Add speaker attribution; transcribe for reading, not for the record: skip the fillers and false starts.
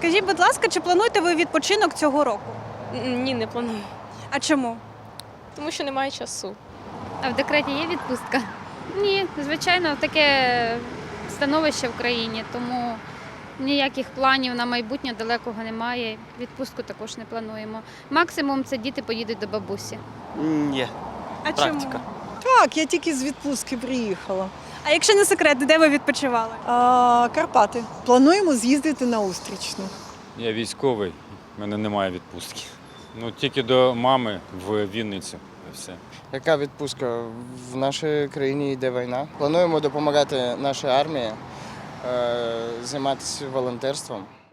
Speaker 1: Скажіть, будь ласка, чи плануєте ви відпочинок цього року?
Speaker 2: Ні, не планую.
Speaker 1: А чому?
Speaker 2: Тому що немає часу.
Speaker 3: А в декреті є відпустка? Ні, звичайно, таке становище в країні, тому ніяких планів на майбутнє далекого немає. Відпустку також не плануємо. Максимум це діти поїдуть до бабусі.
Speaker 4: Ні.
Speaker 1: А
Speaker 4: Практика.
Speaker 1: чому?
Speaker 5: Так, я тільки з відпустки приїхала.
Speaker 1: А якщо не секрет, де ви відпочивали?
Speaker 5: Карпати. Плануємо з'їздити на Устрічну.
Speaker 6: Я військовий, в мене немає відпустки. Ну, тільки до мами в Вінницю. І все.
Speaker 4: Яка відпустка? В нашій країні йде війна. Плануємо допомагати нашій армії, займатися волонтерством.